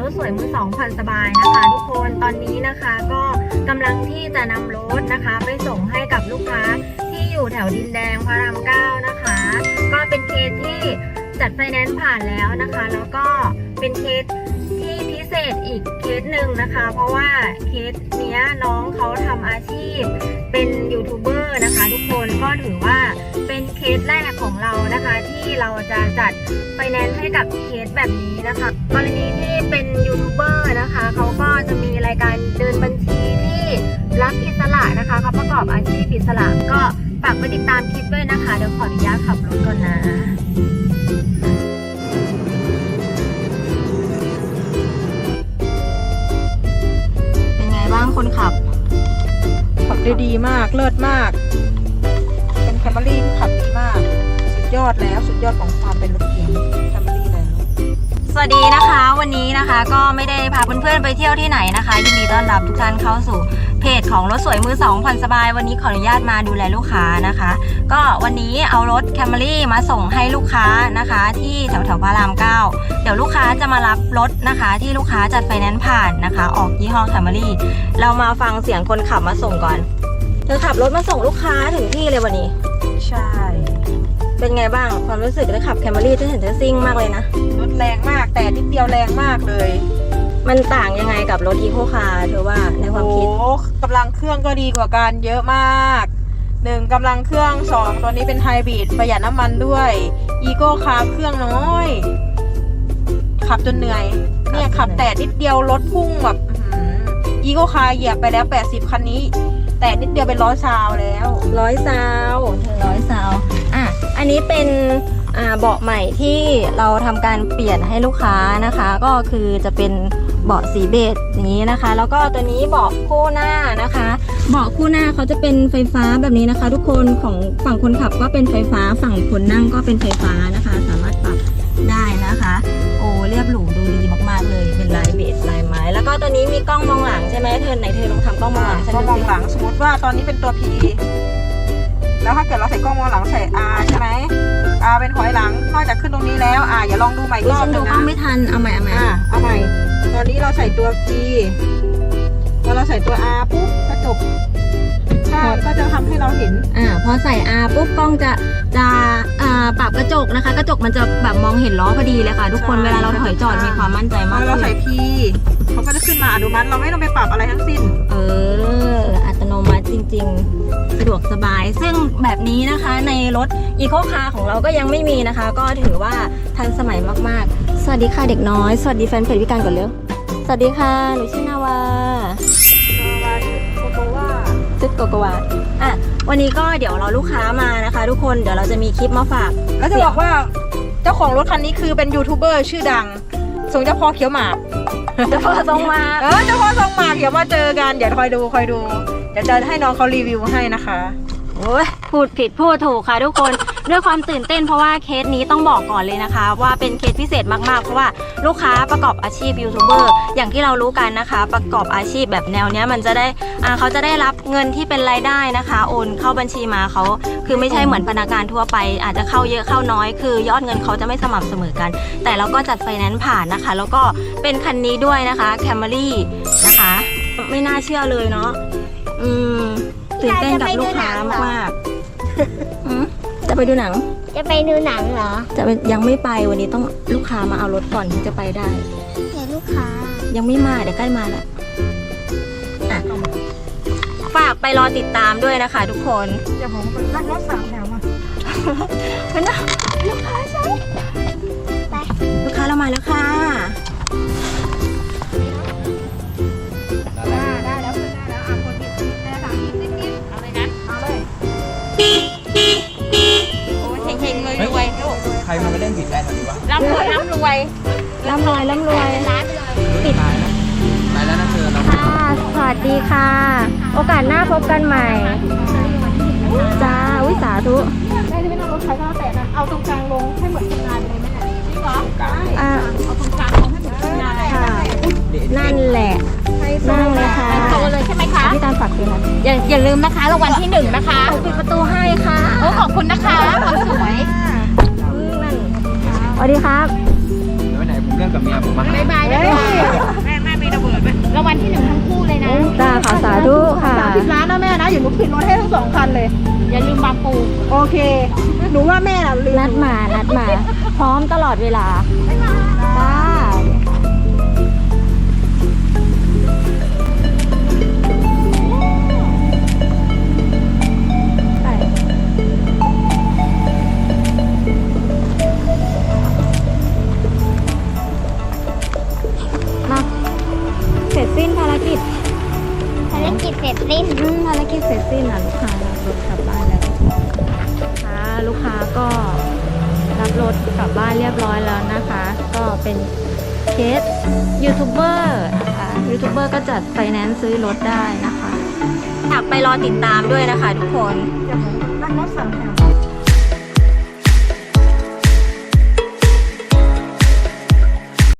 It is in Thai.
ถสวยมือสองผ่อนสบายนะคะทุกคนตอนนี้นะคะก็กำลังที่จะนำรถนะคะไปส่งให้กับลูกค้าที่อยู่แถวดินแดงพระราม9นะคะก็เป็นเคสที่จัดไฟแนนซ์ผ่านแล้วนะคะแล้วก็เป็นเคสที่พิเศษอีกเคสหนึ่งนะคะเพราะว่าเคสเนี้ยน้องเขาทำอาชีพเป็นยูทูบเบอร์นะคะทุกคนก็ถือว่าเป็นเคสแรกของเรานะคะที่เราจะจัดไฟแนนซ์ให้กับเคสแบบนี้นะคะกรณีที่เป็นยูทูบเบอร์นะคะเขาก็จะมีรายการเดินบัญชีที่รักอิสระนะคะเขาประกอบอาชีพอิสระก็ฝากไปติดตามคลิปด้วยนะคะเดี๋ยวขออนุญาตขับรถก่อนนะบ้างคนขับได้ดีมากเลิศมากเป็นแคมรี่ที่ขับดีมากสุดยอดแล้วสุดยอดของความเป็นรถเก๋งแคมรี่แล้วสวัสดีนะคะวันนี้นะคะก็ไม่ได้พาเพื่อนๆไปเที่ยวที่ไหนนะคะยินดีต้อนรับทุกท่านเข้าสู่เพจของรถสวยมือสองผ่อนสบายวันนี้ขออนุญาตมาดูแลลูกค้านะคะก็วันนี้เอารถแคมรี่มาส่งให้ลูกค้านะคะที่แถวพระราม9เดี๋ยวลูกค้าจะมารับรถนะคะที่ลูกค้าจัดไฟแนนซ์ผ่านนะคะออกยี่ห้อแคมรี่เรามาฟังเสียงคนขับมาส่งก่อนเธอขับรถมาส่งลูกค้าถึงที่เลยวันนี้ใช่เป็นไงบ้างความรู้สึกได้ขับแคมรี่ที่เห็นเธอซิ่งมากเลยนะรถแรงมากแต่นิดเดียวแรงมากเลยมันต่างยังไงกับรถอีโคคาร์เธอว่าในความคิดโอ้กำลังเครื่องก็ดีกว่ากันเยอะมาก1กำลังเครื่อง2ตัวนี้เป็นไฮบริดประหยัดน้ำมันด้วยอีโคคาร์เครื่องน้อยขับจนเหนื่อยเนี่ยขับแต่นิดเดียวรถพุ่งแบบอีโคคาร์เหยียบไปแล้ว80คันนี้แต่นิดเดียวเป็น100 ซาวแล้ว 100 ซาวถึง100 ซาวอันนี้เป็นเบาะใหม่ที่เราทำการเปลี่ยนให้ลูกค้านะคะก็คือจะเป็นเบาะสีเบจอย่างนี้นะคะแล้วก็ตัวนี้เบาะคู่หน้านะคะเบาะคู่หน้าเขาจะเป็นไฟฟ้าแบบนี้นะคะทุกคนของฝั่งคนขับก็เป็นไฟฟ้าฝั่งคนนั่งก็เป็นไฟฟ้านะคะสามารถปรับได้นะคะโอ้เรียบหรูดูดีมากๆเลยเป็นลายเบจลายไม้แล้วก็ตัวนี้มีกล้องมองหลังใช่ไหมเธอไหนเธอลองทำกล้องมองหลังกล้องมองหลังสมมติว่าตอนนี้เป็นตัว P แล้วถ้าเกิดเราใส่กล้องมองหลังใส่ R ใช่ไหม R เป็นถอยหลังนอกจากขึ้นตรงนี้แล้วอย่าลองดูใหม่อีกรอบนึงนะไม่ทันเอาใหม่เอาใหม่ตอนนี้เราใส่ตัว P พอเราใส่ตัว R ปุ๊บกระจกข้างก็จะทำให้เราเห็นพอใส่ R ปุ๊บกล้องจะปรับกระจกนะคะกระจกมันจะแบบมองเห็นล้อพอดีเลยค่ะทุกคนเวลาเราถอยจอดมีความมั่นใจมากเราใส่ P เขาก็จะขึ้นมาอนุมัติเราไม่ต้องไปปรับอะไรทั้งสิ้นอัตโนมัติจริงๆสะดวกสบายซึ่งแบบนี้นะคะในรถอีโคคาร์ของเราก็ยังไม่มีนะคะก็ถือว่าทันสมัยมากๆสวัสดีค่ะเด็กน้อยสวัสดีแฟนเพจวิการก่อนเร็วสวัสดีค่ะหนูชื่อนาวาชุดโกโกวาวันนี้ก็เดี๋ยวเราลูกค้ามานะคะทุกคนเดี๋ยวเราจะมีคลิปมาฝากแล้วจะบอกว่าเจ้าของรถคันนี้คือเป็นยูทูบเบอร์ชื่อดังทรงเจ้าพ่อเขียวหมากเจ้าพ่อทรงหมากเจ้าพ่อทรงหมากเดี๋ยวมาเจอกันเดี๋ยวคอยดูเดี๋ยวจะให้น้องเขารีวิวให้นะคะโอ้ยพูดผิดพูดถูกค่ะทุกคนด้วยความตื่นเต้นเพราะว่าเคสนี้ต้องบอกก่อนเลยนะคะว่าเป็นเคสพิเศษมากๆเพราะว่าลูกค้าประกอบอาชีพยูทูบเบอร์อย่างที่เรารู้กันนะคะประกอบอาชีพแบบแนวเนี้ยมันจะได้เขาจะได้รับเงินที่เป็นรายได้นะคะโอนเข้าบัญชีมาเขาคือไม่ใช่เหมือนพนักงานทั่วไปอาจจะเข้าเยอะเข้าน้อยคือยอดเงินเขาจะไม่สม่ำเสมอกันแต่เราก็จัดไฟแนนซ์ผ่านนะคะแล้วก็เป็นคันนี้ด้วยนะคะแคมรี่นะคะไม่น่าเชื่อเลยเนาะตื่นเต้นกับลูกค้ามากจะไปดูหนังจะไปดูหนังเหรอยังไม่ไปวันนี้ต้องลูกค้ามาเอารถก่อนถึงจะไปได้แต่ลูกค้ายังไม่มาเดี๋ยวใกล้มาแล้วฝากไปรอติดตามด้วยนะคะทุกคนเดี๋ยวผมนั่งรถ3 แถวมาเป็นนะลูกค้าใช่ไปลูกค้าเรามาแล้วค่ะใครมาเล่นผิดแรงแบบนี้วะร่ำรวยปิดตายแล้วนะเธอค่ะสวัสดีค่ะโอกาสหน้าพบกันใหม่จ้าวิสาธุได้ที่ไม่ต้องรถไฟฟ้าแต่นั้นเอาตรงกลางลงให้เหมือนทำงานเลยไหมเนี่ยจริงเหรอเอาตรงกลางลงให้เหมือนทำงานเลยนั่นแหละนั่งเลยค่ะโตเลยใช่ไหมคะพี่ตามฝากด้วยนะอย่าลืมนะคะรางวัลที่1นะคะปิดประตูให้ค่ะขอบคุณนะคะความสวยสวัสดีครับไปไหนผมเรื่องกับเมียผมมาบ๊ายบายนะคะแม่มีระเบิดไหมรางวัลที่ 1ทั้งคู่เลยนะจ้าค่ะสาธุค่ะ 30 ล้านนะแม่นะอยู่หนูผิดรถให้ทั้ง2 คันเลยอย่าลืมบางปูโอเค หนูว่าแม่น่ะลืมนัดมา พร้อมตลอดเวลาจ้ามาเสร็จสิ้นภารกิจภารกิจเสร็จสิ้นภารกิจเสร็จสิ้นนะลูกค้ารับรถกลับบ้านแล้วลูกค้าก็รับรถกลับบ้านเรียบร้อยแล้วนะคะ ก็เป็นเคสยูทูบเบอร์นะคะยูทูบเบอร์ก็จัดไฟแนนซ์ซื้อรถได้นะคะอยากไปรอติดตามด้วยนะคะทุกคนนั่งรถ2 แถว